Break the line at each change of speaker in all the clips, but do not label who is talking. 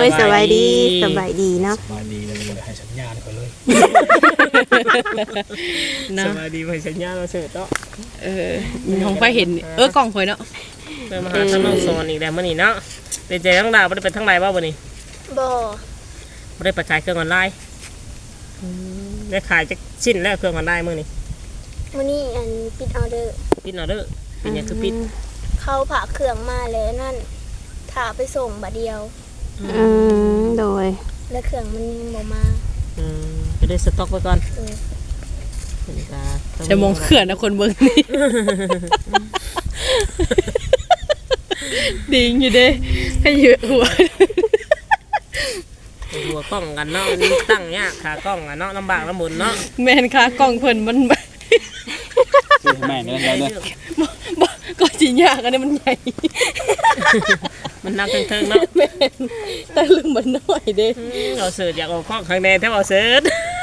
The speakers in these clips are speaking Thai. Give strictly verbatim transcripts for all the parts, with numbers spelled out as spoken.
ยสบายดีสบายดีเนาะ
สบายดีเลยให้สัญญาณก่อนเลย
สบายดีให้สัญญาณเราเสิร์ชเนาะ
เออของไฟเห็นเออกล้องข่อยเนาะ
ไปมาหาทางน้องโซนอีกแล้วมื้อนี้เนาะเป็นใจทั้งดาวบ่ได้ไปทางไหนบ่มื้อนี้
บ่
บ่ได้ไปขายเครื่องออนไลน์ได้ขายจักชิ้นแล้วเครื่องออนไลน์มื้อนี้
มื้อนี้อันปิดออเดอร์
ปิดออเดอร์เป็นหยังคือปิด
เขาผ่าเครื่องมาแล้วนั่นถ้าไปส่งบัดเดียว
อืมโดย
แล้วเครื่องมันยังบ่มา
อืมจะได้สต็อกไว้ก่อน
เออ
จะมองเขื่อนนะคนเบิ่งนี่ดิงอยู่เด้ให้เยอะหัว
หัวกล้องกันเนาะตั้งยากขากล้องอ่ะเนาะลำบากลำบนเนาะ
แม่นขากล้องเพิ่นมัน
แม่เนี่ยแล้วเนี่ย
ก็สิยากอันนี้มันใหญ่
มันนักเทิงๆเนาะ
แม่นแต่ลืมมันน้อยเด้
เราเสิร์ชอยากเอาข้อข้างในแทบเอาเสิร์ช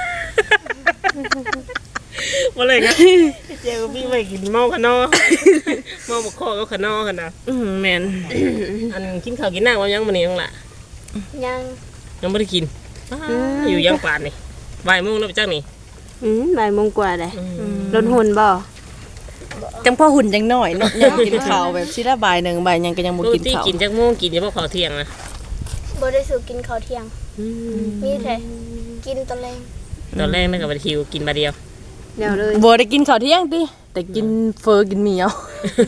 มาเลยนะเจ้าพี่ไม่กินเมาขนอเมาบกข้อก็ขนอกันนะแมนอันกินข้าวกินน้ำว่ายังมันนี่ยังล่ะ
ยัง
ยังไม่ได้กินอยู่ยังป่านนี่บ่ายโมงแล้วไปจังนี่
อืมบ่ายโมงกว่าเลยรถหุ่นบ่
จังพ่อหุ่นจังน้อยเนาะยังกินข้าวแบบสิละบ่ายหนึ่งบ่ายยังก็ยังบ่กินข้าว
กินจังโมงกินยังบ่ข้าวเที่ยงนะ
บ่ได้สู่กินข้าวเที่ยงมีแต่กินตอนแรก
ตอนแรกนั่นกับบัตรคิวกินมาเดียว
เดี๋ยวเลย
บ่ได้กินข้าวเที่ยงติแต่กินเฟอกินหมี่เอา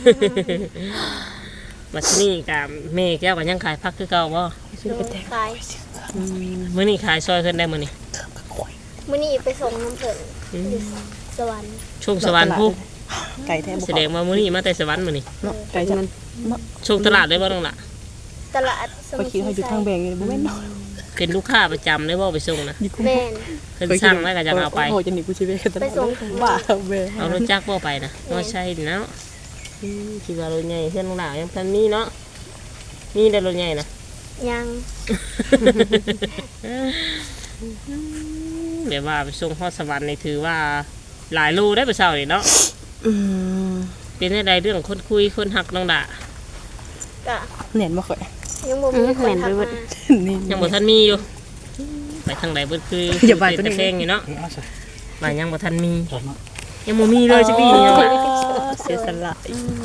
บัดนี้กับแม่แก้วก็ยังขายพักคือเก่าบ่
ขาย
มื้อนี้ขายซอยขึ้นได้มื้อนี้
มื้อนี้ไปส่งน้ำเพิ่นสวรรค์
ช่วงสวรรค์ผู้
ไก่แท้บ่
แสดงว่ามื้อนี้มาแต่สวรรค์มื้อนี้
เนาะไก่จัง
ช่วงตลาดได้บ่น้องล่ะ
ตลาด
สมุทรสาครอยู่ทางแบงอยู่บ่แม่นเนาะ
เป็นลูกค้าประจำได้บ่ไปส่งนะ
แม่น
เพิ่นสั่งแล้วก็จะเอาไป
โอ้จะหนีกูสิเว้กัน
ไปส่ง
บ้าเว้
เอารถจักรบ่ไปนะบ่ใช่เนาะคิดว่ารถใหญ่เพิ่นน้องล่ะยังทันมีเนาะมีได้รถใหญ่นะ
ยัง
เดี๋ยวว่าไปส่งฮอดสวรรค์นี่ถือว่าหลายโลได้ไปเช้านี่เนาะเป็นได้เรื่องคนคุยคนหักน้องด่า
ก็
เห็นบ่ค่อย
ยังบ่มีคนทักมา
ยังบ่ทันมีอยู่ไปทางใดเบิดคือ
อย่าบ่ตัว
เพลงอยู่เนาะบ่ยังบ่ทันมียังบ่มีเลยสิปีนี้
เสียสละ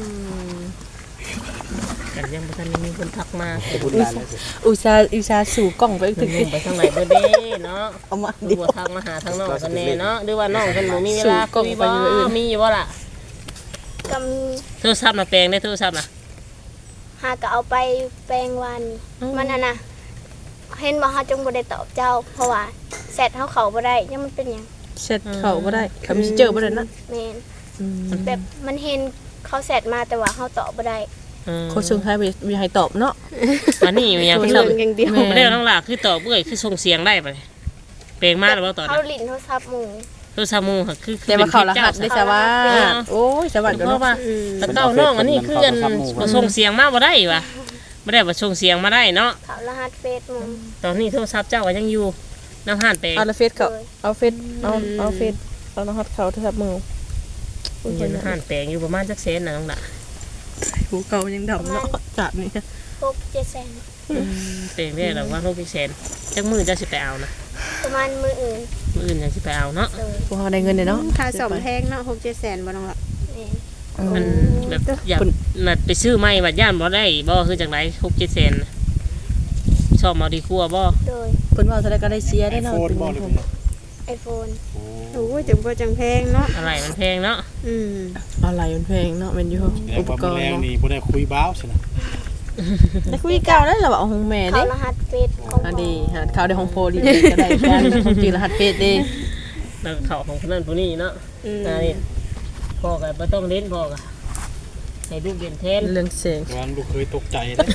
กันยังบ่ทันมีคนทักมา
อุตส่าห์อุตส่าห์สู่กล้องไปถึง
ไปทางไหนเบิดเด้เนาะเอามาดิบ่ทักมาหาทางน้องกันแน่เนาะหรือว่าน้องเพิ่นบ่มีเวลาคุยบ่มีอยู่บ่ล่ะ
ก็มี
โทรศัพท์น่ะแปลงได้โทรศัพท์น่ะ
หาก็เอาไปแปลงวันมันน่ะนะเห็นบ่เฮาจงบ่ได้ตอบเจ้าเพราะว่าแชทเฮาเข้าบ่ได้ยังมันเป็นหยัง
แชทเข้าบ่ได้คำสิเจอบ่ได้นะ
แม่นแบบมันเห็นเขาแชทมาแต่ว่าเฮาตอบบ่ได้
เขาส่งให้มีให้ตอบเนาะ
อันนี้ยังคือบ่ได้น้องล่ะคือตอบเอ้ยคือส่งเสียงได้บ่แปลงมาแล้วบ่ตอน
เฮาลิ้นโทรศัพท์หมู่
โทรศัพท์หมู่คือ
แต่ว่าเขารหัสได้ซะว่าโอ้ยสวัสดีเนาะว่า
แต่เก้าน้องอันนี้คือกันบ่ส่งเสียงมาบ่ได้ว่ะบ่ได้บ่ส่งเสียงมาได้เนาะ
เขารหัสเฟซหมู่
ตอนนี้โทรศัพท์เจ้าก็ยังอยู่นำหานแปลง
เอาเฟซเขาเอาเฟซเอาเอาเฟซเอารหัสเขาโทรศัพท์มือ
อยู่นำหานแปลงอยู่ประมาณจักแสนน่ะน้องล่ะ
หูเก่ายังดำเนาะจัดนี่
หก เจ็ดแสน
แปลงได้แล้วว่าหก เจ็ดแสนจักมื้อจะสิไปเอานะ
ประมาณมื้ออื่น
มื้ออื่นจังสิไปเอาเนาะ
พวกเฮาได้เงินเนาะ
ค่าซ่อมแพงเนาะ หก เจ็ดแสนบ่น้องล่ะ
มันแบบอยากนัดไปซื้อใหม่บัดย่านบ่ได้บ่คือจังได๋ หก เจ็ดแสนชอบเอาดีกว่าบ่
โดย
เพิ่นว่าเท่าใดก็ได้เสียได้เนาะเป็นผม
iPhone
โอ้ยจังบ่จังแพงเนาะ
อะไรมันแพงเนาะ
อืม
อะไรมันแพงเนาะแม่นอยู่อุปกรณ์
เนาะนี่บ่ได้คุยบ้าวซินะ
ได้คุยเก่าได้ล่ะว่าเอาของแม่เด้
เขารหัสเฟซของ
อันนี้หาข่าวได้ของโพลีก็ได้กันของจริงรหัสเฟซเด้
แล้วเข้าของคนนั้นผู้นี้เนาะอันนี้พ่อก็บ่ต้องเล่นพ่อก็ให้ลูกเรียนแทน
เรื่องเสียง
วันลูกเคยตกใจเด้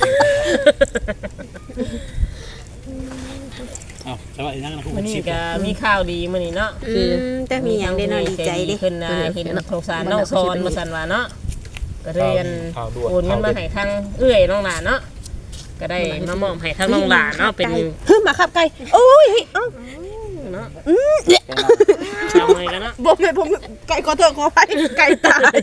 อ้าวสวัสดีนะคุณ
มื้อนี้ก็มีข่าวดีมื้อนี้เนาะ
อืมแต่มีหยังได้เนาะดีใจเด้
ขึ้นน่ะเห็นสงสารน้องซอนบ่ซั่นว่าเนาะก็เรียนโอนเงินมาให้ทางเอื้อยน้องหลานเนาะก็ได้มามอบให้ทางน้องหลานเนาะเป็น
ฮึมาขับไก่โอ้ยเอ้า
เนาะทำไมกันเนาะ
บ่แม่ผมไก่ขอโทษขออภัยไก่ตาย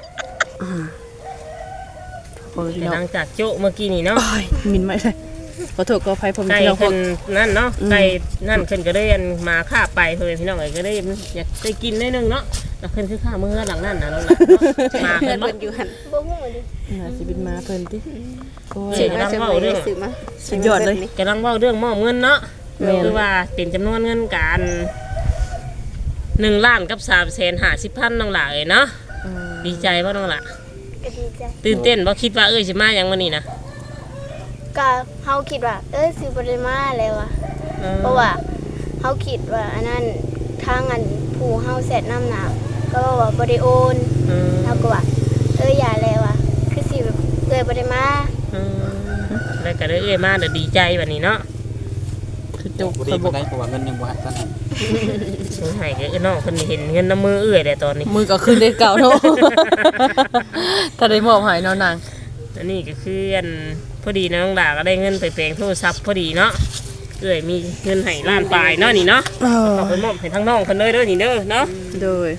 หลังจากโจ๊ะเมื่อกี้นี่เนาะ
มินไม่ใช่ขอโทษขออภัยผม
ไก่
พี่น้องพว
ขึ้
ก
นนั่นเนาะ
อืม
ไก่นั่นขึ้นก็ได้อันมาฆ่าไปเพื่อนพี่น้องเอ้ยก็ได้อยากได้กินได้นึงเนาะแล้วขึ้นคือข้ามือหลังนั่นนะน้องหลานเนาะมา
เพื่
เพิ่
อน
นบ่
เพิ่นอยู่หั่น
บ่ฮู้ดิ
น่าสิเป็นมาเพิ่นติโอ้ย
เสีย
มาจังได๋ซื้อมา
สุดยอดเลย
กำลังเว้าเรื่องมอบเงินเนาะ
แม่น
คือว่าเป็นจำนวนเงินการหนึ่งล้านกับสามแสนห้าสิบพันน้องหลานเอ้ยเนาะ
อืม
ดีใจบ่น้องหลาน
ก็ดีใจ
ตื่นเต้นบ่คิดว่าเอ้ยสิมาหยังมื้อนี้นะ
ก็เฮาคิดว่า เอ้ยสิบ่ได้มาแล้วอะเพราะว่าเฮาคิดว่าอันนั้นทางอันผู้เฮาแซดน้ำหนักก็ว่าบ่ได้โอน
อืม
เฮาก็ว่า เอ้ยอย่าแล้วอะคือสิแบบเอ้ยบ่ได้มา
อืมแล้วก็ได้เอ้ยมาเดี๋ยวดีใจบัดนี้เนาะ
คือจุก
บ่ดี
เขาบ
บ่
อก
ได้เพราะว่าเงินยังบ่ให้ท่านให้
สงสัยก็เอ้ยน้องเพิ่นเห็นเงินน้ำมือเอ้ยแต่ตอนนี้
มือก็ขึ้นได้เก่าเนาะ ถ้าได้มอบให้เนาะนาง
อันนี้ก็คืออันพอดีนะน้องหลานก็ได้เงินไปแปลงโทรศัพท์พอดีเนาะเอ้ยมีเงินให้ล้านปลายเนาะนี่เนาะ
เออ
เอาไปมอบให้ทั้งน้องเพิ่นเลยเด้อนี่เด้อเนาะ
โดย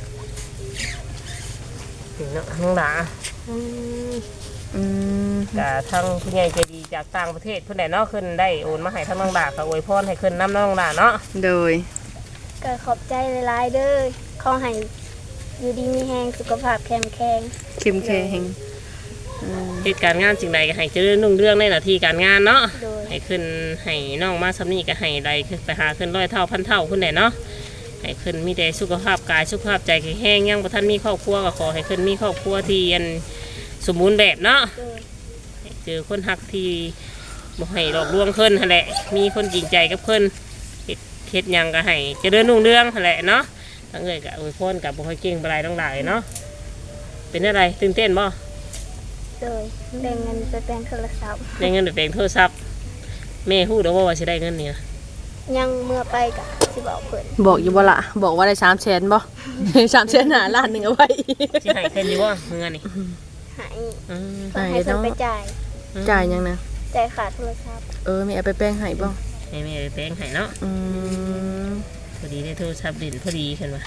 นี่เนาะน้องหลาน
อืม
ก็ทั้งผู้ใหญ่ใจดีจากต่างประเทศเพิ่นได้เนาะขึ้นได้โอนมาให้ทั้งน้องหลานก็อวยพรให้ขึ้นน้ำน้องหลานเนาะ
โดย
ก็ขอบใจหลายๆเด้อขอให้อยู่ดีมีแรงสุขภาพแข็งแรง
เข้มแข็งอืม
เหตุการณ์งานสิ่งใดก็ให้เจริญรุ่งเรืองในหน้าที่การงานเนาะ
โดย
ให้ขึ้นให้น้องมาสำนีก็ให้ใดขึ้นไปหาขึ้นร้อยเท่าพันเท่าขึ้นได้เนาะให้ขึ้นมีแต่สุขภาพกายสุขภาพใจแข็งแรงยังบ่ทันมีครอบครัวก็ขอให้ขึ้นมีครอบครัวที่อันสมบูรณ์แบบเนาะ
โดย
ให้เจอคนหักที่บ่ให้หลอกลวงขึ้นหั่นแหละมีคนจริงใจกับเพิ่นเฮ็ดเฮ็ดหยังก็ให้เจริญรุ่งเรืองหั่นแหละเนาะทั้งเอ้ยก็อวยพรกับบ่ค่อยเก่งปานใดทั้งหลายเนาะเป็นอะไรตื่นเต้นบ่
โดยแบ่งเงินไปแปลงโทรศัพท์
ได้เงินไปแปลงโทรศัพท์แม่ฮู้ดอกว่าว่าสิได้เงินนี่นะ
ยังเมื่อไปก็สิบอกเพิ่น
บอกอยู่บ่ล่ะบอกว่าได้สามแสนบ่ สามแสนหาล้านหนึงเอาไว้
สิให้เพิ่นอยู่บ่เงินนี่
ให้
อืม
เพิ่นให้เพิ่นไปจ่าย
จ่ายยังนะ
จ่ายค่าโทรศัพท์
เออมีเอาไปแป้งให้บ่
ให้แม่ไปแปลงให้เนาะ
อืม
พอดีได้โทรศัพท์ดินพอดีเห็นว่า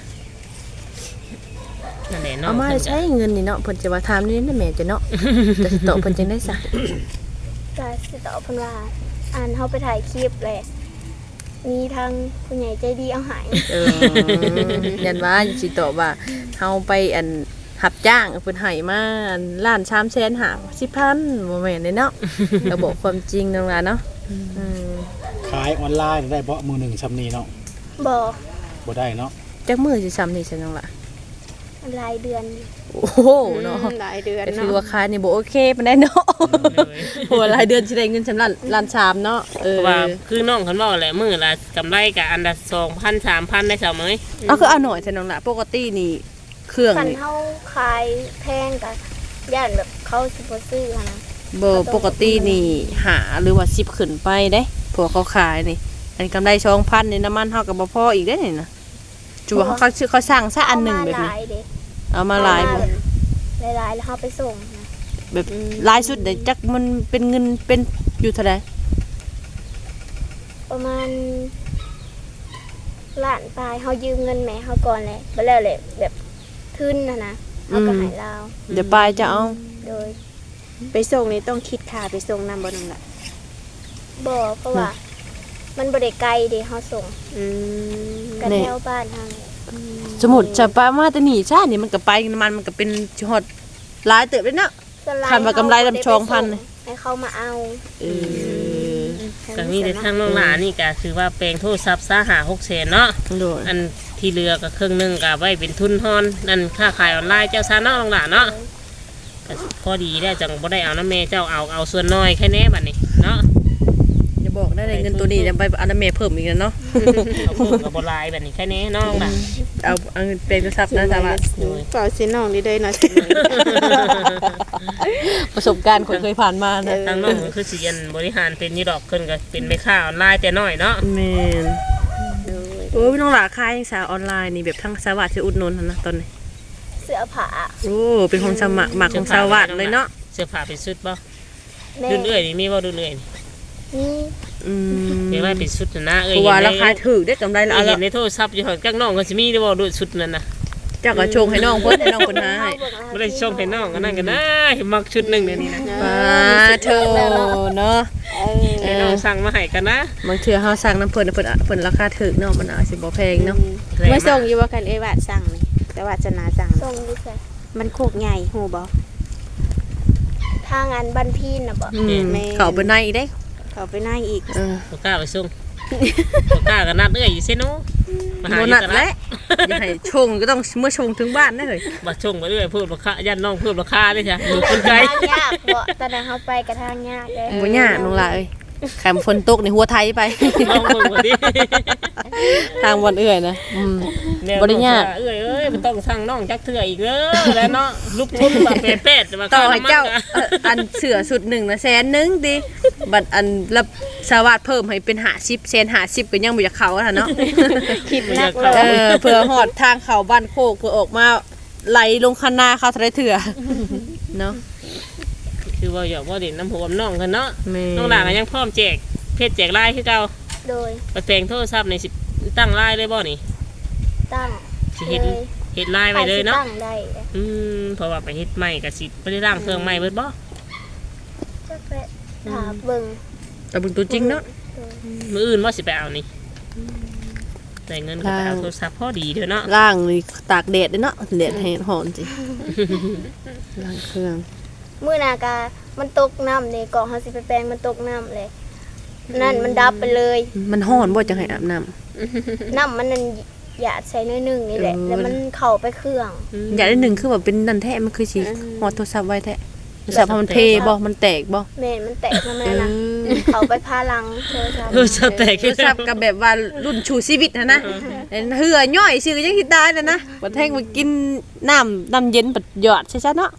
นั่นแหละเนาะ
เอามา
เพิ่นก็
ใช้เงินนี่เนาะเพิ่นจะว่าถามนี่นะแม่จะเนาะ จะสิตอบเพิ่นจังได้ซะ
ก็สิตอบเพิ่นว่าอ่านเฮาไปถ่ายคลิปแหละมีทางผู้ใหญ่ใจดีเอาให้
เออยันว่าสิตอบว่าเฮาไปอันรับจ้างเพิ่นให้มาอันล้านสามแสนหาสิบพันบ่แม่นเด้เนาะ ก็บอกความจริงนั่นล่ะเนาะอืม
ขายออนไลน์ได้บ่มือหนึ่งซำนี้เนาะ
บอก
บ่ได้เนาะ
จักมื้อสิซ้ำนี่ซั่นจังล่ะ
รายเดือน
โอ้โหเนาะ
หลายเดือน
ก็
เนาะ
ถือว่าค่านี่บ่โอเคปานใดเนาะ
เลย
โหรายเดือนสิได้เงินสำล้านล้านสามเนาะเอ
เพ
อ
ราะว่าคือน้องเขาบอกแหละมือละกำไรกับอันละสองพันสามพันได้สาวมั้ย
เอาคือเอาหน่อยซั่นน้องล่ะปกตินี่เครื่อง
คัน
นี่
เฮาขายแพงก็ย่านแบบเขาสิบ่ซื้อหั้นนะ
บ่ปกตินี่หาหรือว่าสิบขึ้นไปเด้พวกเขาขายนี่ อันกำไรสองพันนี่น้ำมันเฮาก็บ่พออีกเด้นี่นะจูว่าเขาเขาซื้อเขาสร้างซะอันหนึงแบบ
เอามาห
นี้
ลายเด้
เอามาหลายบ่
หลายๆแล้วเฮาไปส่งนะ
แบบหลายสุดได้จักมันเป็นเงินเป็นอยู่เท่าใด
ประมาณล้านปลายเฮายืมเงินแม่เฮาก่อนแหละบ่แล้วแหละแบบทุนน่ะนะเฮาก็ให้ลาว
เดี๋ยวปลายจะเอา
โดย
ไปส่งนี่ต้องคิดค่าไปส่งนำบ่น้องล่ะ
บ่เพราะว่า มันบ่ได้ไกลเด้เฮาส่ง
อืม
กันแถวบ้านเฮานี่
สมมุติจะปลามาแต่นี่ซ่านี่มันก็ไปน้ำมันมันก็เป็นฮอดหลายเติบเลยเนาะ
ส่วนหลย
คันว่ากำไรลำชองพัน
ให้เขามาเอา
เออ
ก็มีแต่ทางน้องหลานนี่ก็คือว่าแปลงโทรศัพท์ซาหาหกแสนเนาะ
โดย
อันที่เหลือก็ครึ่งหนึงก็ไว้เป็นทุนฮอนนั่นค่าขายออนไลน์เจ้าซาเนาะน้องหลานเนาะก็พอดีได้จังบ่ได้เอาน้ำแม่เจ้าเอาเอาส่วนน้อยแค่แน่บัดนี้เนาะ
อย่าบอกได้เลยเงินตัวนี้จะไปเอาน้ำเมย์เพิ่มอีกแล้วเนาะ
เอาเพิ่มกับบหลายแบบนี้แค่นี้น้องล่ะ
เอาเอาเงินเป็นโทรศัพท์นะจ๊ะว่า
เปล่าสิน้องนี่ได้เนาะสิ
ประสบการณ์คนเคยผ่านมานะ
ทางน้องคือสิยันบริหารเป็นอยี่ดอกขึ้นก็เป็นแม่ค้าออนไลน์แต่น้อยเนาะ
แมนโอ้ยน้องหลาขายยังสาวออนไลน์นี่แบบทั้งสวัสดิ์ชื่ออุดหนนหั่นนะตอนนี้
เสื้อผ้า
โอ้เป็นของสมัครหมักของสวัสดิ์เลยเนาะ
เสื้อผ้าเป็นชุดบ่
แม่
รุ่นเอื้อยนี่มีบ่รุ่นเอื้อยนี่
นี่
อืม
เรียกว่าเป็นชุดน่ะนะเอ้ย
เพราะว่า
เห็น
รา
ใน
คาถือได้กำไรละ
เอ้ย
เอา
เห็
ละ
นในโทรศัพท์อยู่ห่างจากน้องก็สิมีได้บ่รุ่นชุดนั่นน่ะ
เจ้าก็ชงให้น้องเพิ่นให้น้องเพิ่นหาให้
บ่ได้ส่งให้น้องกันนั่นก็ได้มักชุดหนึงเดี๋ยวนี้นะ
มาเธอเนาะ
ให้น้องสั่งมาให้กันนะ
บางเทื่อเฮาสั่งน้ำเพิ่นเพิ่นเพิ่นราคาถูกเนาะมันอาจสิบ่แพงเนาะ
เมื่อส่งอยู่ว่ากันเอ้ยวาดสั่งนี่แต่ว่าจะนาสั่ง
ส่งดิใส่
มันโคกใหญ่ฮู้บ่
ทางอันบ้านพี่น่ะบ่
อืมเข้าไปในอีกเด้
เขาไปนั่งอีก
เออ
บ่กล้าไปส่งบ่กล้าก็นัดเอื้อยอยู่ซิโนมาหา
บ่
อยู่
นัด
ต
แห
ลา
ละ
ด
อย่าให้ชงก็ต้องเมื่อชงถึงบ้านได้เลย
บ่ส่งไปเรื่อยพูดราคายันน้องพูดราคาเลยจ้ะอยู่คนไกล
ทางยากบ่ตอนนั้นเฮาไปกระทางยากเด้
บ่ยากน้องหล่ะเอ้ยแคมฝนตกในหัวไทยไป
น้องเบิ่งบ่ดิ
ทางวันเอื่อยนะอืม บ่ได้ยาก
เอ้ยเอ้ยมันต้องสั่งน้องจักเทื่ออีกเด้อแล้วเนาะลูกทุนแบบเป๊ะๆมา
ต่อให้เจ้า
ค่น้ำมัน
เอ่ออันเสือสุดหนึ่งนะแสนหนึงดิบัดอันรับสวัสดเพิ่มให้เป็นห้าสิบแสนห้าสิบก็ยังบ่อยากเข้าอะเนาะ
คิดนักเล
เอย อเพื่อหอดทางเขาบ้านโคกเพื่อออกมาไหลลงคันนาเขาทะเลเถื่อเนาะ
คือว่าอยากว่าเด่นน้ำหัวน้องกันเนาะ
แม่
น้องหลานก็ยังพร้อมแจกเพชรแจกลายคือเก่า
โดย
ไปแปลงโทรศัพท์ในสิตั้งลายเลยบ่นี่
ตั้ง
สิเฮ็ดเฮ็ดลายไว้เลยเนาะ
ตั้งได้
อืมเพราะว่าไปเฮ็ดใหม่ก็สิบ่ได้ร่างเครื่องใหม่เบิดบ่
จักแล้ถาเบิ่ง
แต่เบึงตัวจริงเนาะ
มื้ออื่นว่าสิไปเอานี่ได้เงินก็ไปเอาโทรศัพท์พอดีเด้อเนาะ
ล่างนี่ตากแดดด้วยเนาะแดดแห้งหอนสิล่างเครื่อง
มื้อนากามันตกน้ำนี่กล่องเฮาสิไปแปลงมันตกน้ำเลยนั่นมันดับไปเลย
มันห้อนบ่จังให้อาบน้
น้ำมันนั่นหยาดใส่น้อยหนึงนี่แหละ
เออ
แล้วมันเข้าไปเครื่อง
ำอยากได้หนึ่งคือแบบเป็นนันแท้มันคือสิหอดโทรศัพท์ไว้แท้โทรศัพท์พอมันเทบ่มันแตกบ่
แม่นมันแตกมา
เอ
แม่นะ
อ
เข้าไปพาหลังโทรศัพท์
โทรศัพท์แตก
โทรศัพท์กับแบบว่ารุ่นชูชีวิตนะนะเหือย่อยชื่อยังคิดได้นะนะบัดแท่งมากินน้ำน้ำเย็นบัดหยอดใช่ๆเนาะ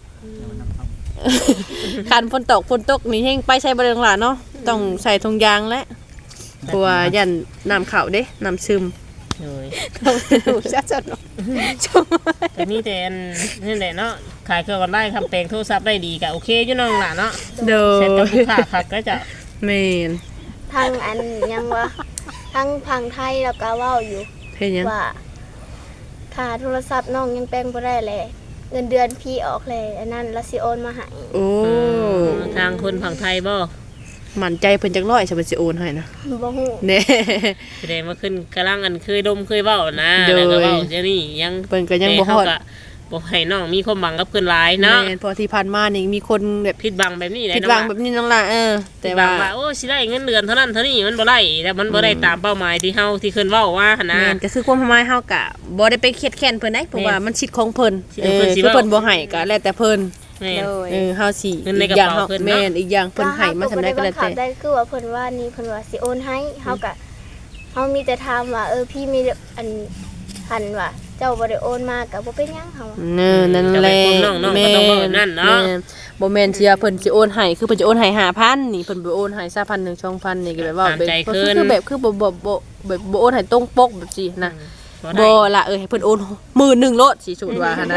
คันฝนตกฝนตกนี่แห้งไปใช้บริเวณหลานเนาะต้องใส่ถุงยางและกลัวยันน้ำเข่าเด้น้ำซึม
โอ้ย
ถูกชัดๆเนาะ
แต่มีแต่อันนี่แหละเนาะขายเครื่องออนไลน์ทำแปลงโทรศัพท์ได้ดีก็โอเคอยู่น้องหลานเนาะ
โด
เสร็จกับ
ย
ลูกค้าคักก็จะ
เมน
ทางอันยังว่าทางพังไทยแล้วก็เว้าอยู่
เพียงยัง
ว่าค่าโทรศัพท์น้องยังแปลงบ่ได้เลยเงินเดือนพี่ออกเลยอันนั้นแล้วสิโอนมาให้
โอ้
ทางคนฝั่งไทยบ่
หมั่นใจเพิ่นจักร้อยจะเป็นสิโอนให้นะ
บ่ฮู้
เน่
แสดงว่าขึ้นกำลังอันเคยดมเคยเว้านะ
โดย
แล้วก็เว้าเดี๋ยวนี้ยัง
เพิ่นก็ยังบ่ฮอด
แต่เขาก็บ่ให้น้องมีความหวังกับเพิ่นหลายเนาะ
แม่นเพอที่ผ่านมานี่มีคนแบบ
ผิดหวังแบบนี้แหละ
ผิดหวังแบบนี้น้องล่ะเออ
แต่
แต่
ว่า
ว่า
โอ้สิได้เงินเดือนเท่านั้นเท่านี้มันบ่ได้แต่มันบ่ได้ตามเป้าหมายที่เฮาที่เพิ่นเว้าว่าหั่นนะ
แม่นก็คือความหมายเฮากะบ่ได้ไปเครียดแค้นเพิ่นได้เพราะว่ามันสิทธิ์ของเพิ่น
สิทธิ์
เอ
ของ
อ
เพิ่นสิ
คือ
เว้า
เพิ่นบ่ให้ก็แล้วแต่เพิ่น
แม่น
โดย
เออเฮาสิ
เงินในกระ
อย่าง
เป๋า
เฮา
เพิ่นเนาะ
แม่นอีกอย่างเพิ่นให้มาทำได้ก็แล้ว
เฮา
แต่
บ่ได้บังคับได้คือว่าเพิ่นว่านี่เพิ่นว่าสิโอนให้เฮาก็เฮามีแต่ถามว่าเออพี่มีอันหันว่าเจ้าบ่ได้โอนมาก็บ่เป็นหยังเฮา
เออนั่นแหละ
น้องๆก็ต้องเว้าแบบนั้นเนาะ
แม่บ่แม่นสิว่าเพิ่นสิโอนให้คือเพิ่นจะโอนให้ ห้าพัน นี่เพิ่นบ่โอนให้ซะ พันหนึ่ง สองพัน นี่ก็แบบว่า
ตามใจ
ก็
ขึ้น
คือแบบคือบ่บ่บ่แบบบ่โอนให้ตรงปกแบบสินะ
บ่ได้
บ่ล่ะเอ้ยให้เพิ่นโอนหมื่นหนึ่งโลดสิสูตรว่าหั่นนะ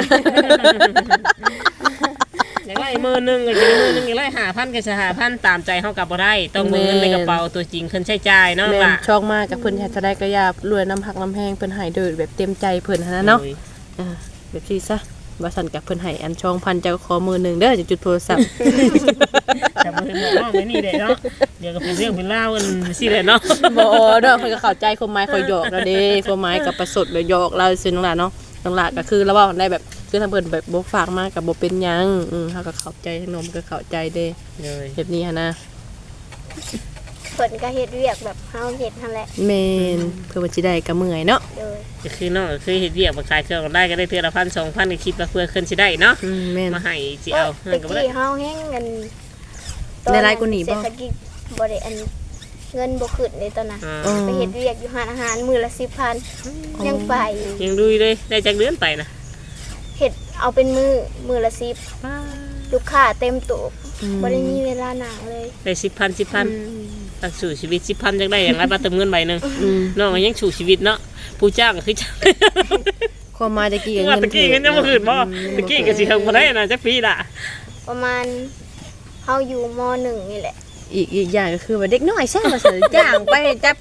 อย่างไรมือหนึงก็จะมือหนึงอย่างไรห้าพันก็จะห้าพันตามใจเฮาก็บ่ได้ต้องมือเงินในกระเป๋าตัวจริงเพิ่นใช้จ่ายเนาะ
แม่น
ล่ะ
ชองมากกับเพิ่นเฮ็ดเท่าใดก็อย่ารวยน้ำหักน้ำแพงเพิ่นให้โดยแบบเต็มใจเพิ่นหั่นนะเนาะ อ่าแบบนี้ซะว่าสั่นกับเพิ่นให้อันช่องพันเจ้าขอมือหนึ่งเด้อจะจุดโทรศัพท์
แต่บ่เห็นบอกน้องไว้นี่เด้เนาะเดี๋ยวก็เป็นเรื่องเป็นราวกันสิแหละเนาะ
บ่เด้อเพิ่นก็เข้าใจความหมายคอยหยอกแล้วเด้ความหมายกับประสดแบบหยอกเราซื่อน้องหลานเนาะน้องหลานก็คือเราเว้าได้แบบคือทางเพิ่นแบบบ่ฝากมาก็บ่เป็นหยังอือเฮาก็เข้าใจทั้งนมก็เข้าใจเด้
เลย
แบบนี้หั่นนะ
เพิ่นก็เฮ็ดเวียกแบบเฮาเฮ็ดนั่นแหละ
แม่นเพื่อว่าสิได้ก็เมื่อยเนาะ
โดย
ก็คือน้องก็คือเฮ็ดเวียกมาขายเครื่องได้ก็ได้เทื่อละพันสองพันก็คิดว่าเพื่อขึ้นสิได้เนาะ
อืมแม่น
มาให้สิเอา
ตะ
เงินก็บ่ได้
กี้เฮาแฮงเงิน
ได้หลายกว่านี้บ่
เศรษฐกิจบ่ได้อันเงินบ่ขึ้นเลยตอนนั้น
อ่า
อ๋อ
ไปเฮ็ดเวียกอยู่ร้านอาหารมื้อละสิบพันยังไป
ยังดูอยู่เลยได้จากเดือนไปนะ
เฮ็ดเอาเป็นมื้อมื้อละสิบลูกค้าเต็มโต๊ะบ่ได้มีเวลานั่งเลย
ได้สิบพันสิบพันตักสู่ชีวิตสิบพันจังได้อย่างไรมาเติมเงินใบหนึง
อืม
น้องก็ยังสู่ชีวิตเนาะผู้จ้างก็คือจ้าง
ความหมายตะกี้ก็
ว่า
เงิน
ตะกี้เงินยังบ่ขึ้นบ่ตะกี้ก็สิเฮิงบ่ได้นะจักปีล่ะ
ประมาณเฮาอยู่มหนึ่งนี่แหละ
อีกอีกอย่างก็คือว่าเด็กน้อยแซ่ว่าซั่นจ้างไปจับเก็บ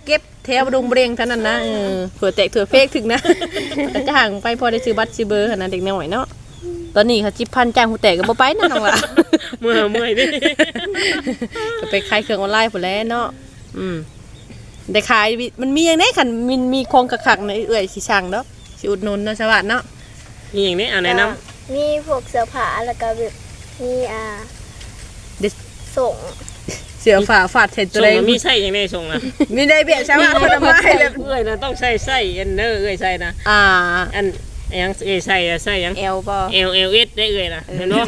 แถวดงเบรงเท่านั้นนะเออเผื่อแตกเถื่อเฟกถึงนะ ก็จ้างไปพอได้ซื้อบัตรซื้อเบอร์ขนาดเด็กน้อยเนาะตอนนี้เขาจิบพันจ้างหูแตกก็บ่ไปนะน้องล่ะ
เมื่อเมื่อยดิ
ก็ไปขายเครื่องออนไลน์พุ่นแหล้วเนาะอืมได้ขายมันมีอย่างไดคันมันมีโครงคักๆในเอื้อยสิสั่งเนาะสิอุดหนุนเนาะสวัสดีเนาะ
มีอย่างนี้เอาแนะนำ
ก็มีพวกเสื้อผ้าแล้วก็แบบมีอ่า
เด็ด
ส่ง
เสือฝาฟาดเสร็จตัว
ส่ง
ใด
มันมีไส้อย่างนี้ส่งนะ
มีได้เบี้ยใช่ป่ะคนละไม้แบบ
เอ้ยนะต้องใส่ไส้อันเนอร์เอ้ยใส่นะ
อ่า
อันยังเอ้ยใส่อะใส่ยัง
เอลบ่
L L S ได้เอ้ยนะเห็นบ่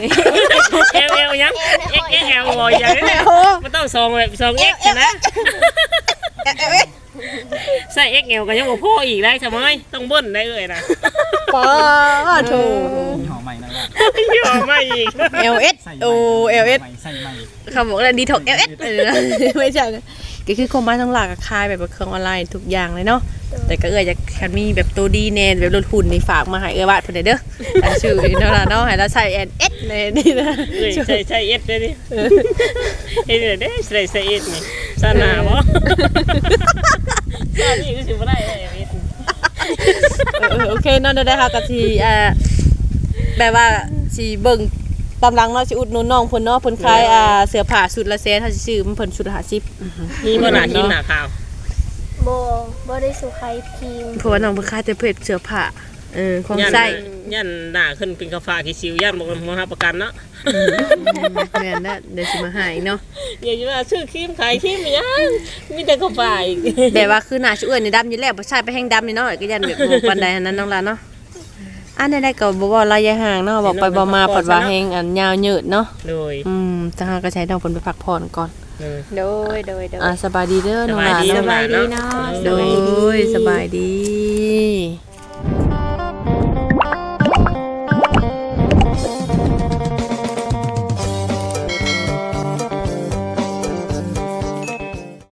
L L ยัง X X L บ่อย่างนี้
โอ้
มันต้องสองแบบสอง X นะ
เอ๊ะเอ๊ะเอ๊ะ
ใส่ X L ก็ยังบ่พออีกได้ใช่ไหมต้องเบิ้ลได้เอ้ยนะ
ป้าโถ
มีหอมใหม่นั่นแหละ
ยอมมาอีก
เอลเอสโอเอลเอส
ใหม่ใส่ใหม่
เขาบอกว่าดีท็อกเอลเอสไม่ใช่ก็คือความหมายทั้งหลักคายแบบเครื่องออนไลน์ทุกอย่างเลยเนาะแต่ก็เอื้อจะคันมีแบบตัวดีแน่แบบรถหุ่นนี่ฝากมาให้เอื้อวาดเพิ่นได้เด้ออันชื่อเนาะล่ะเนาะให้เราใส่แอนเอสเลยนี่นะ
เอ้ยใส่ใส่ S ได้ดิเอ้ยเด้ใส่ใส่ S นี่ซาหนาบ่ซานี่ก็สิบ่ได้เอ้ย S
เออโอเคเนาะได้ค่ะก็สิเอ่อแบบว่าสิเบิ่งตามหลังเนาะสิอุดหนุนน้องเพิ่นเนาะเพิ่นขายอ่าเสื้อผ้าชุดละแสนเฮาสิซื้อมันเพิ่นชุดละห้าสิบ
มีบ่หน้าทีมหน้าขาว
โบบ่ได้สุใครทีม
เพราะว่าน้องเพิ่นขายแต่เพจเสื้อผ้าเออของ
ยัน
ใส่
ยันหน้าขึ้นเป็นกาฟ้าขี้สิวยันบ่มาหาประกันเนาะ
แม่นนะเดี๋ยวสิมาหาอีกเนาะ
อย่าจะมาซื้อครีมขายครีมยังมีแต่กาฟ้าอีก
แบบว่าคือหน้าชื่อเอ้ยนี่ดำอยู่แล้วบ่ใช่ไปแห้งดำนี่เนาะก็ยันแบบบ่ปานใดอันนั้นน้องล่ะเนาะอันใดๆก็บ่เว้าระยะห่างเนาะบอกไปบ่มาปัดว่าแห้งอันยาวยืดเนาะ
โดย
อืมจังหาก็ใช้น้องเพิ่นไปพักผ่อนก่อน
เออ
โดยโดยโดย
อ่าสบายดีเด้อน้องหลาน
สบายดี
เนาะ
สบายดีเนาะ
โดยสบายดี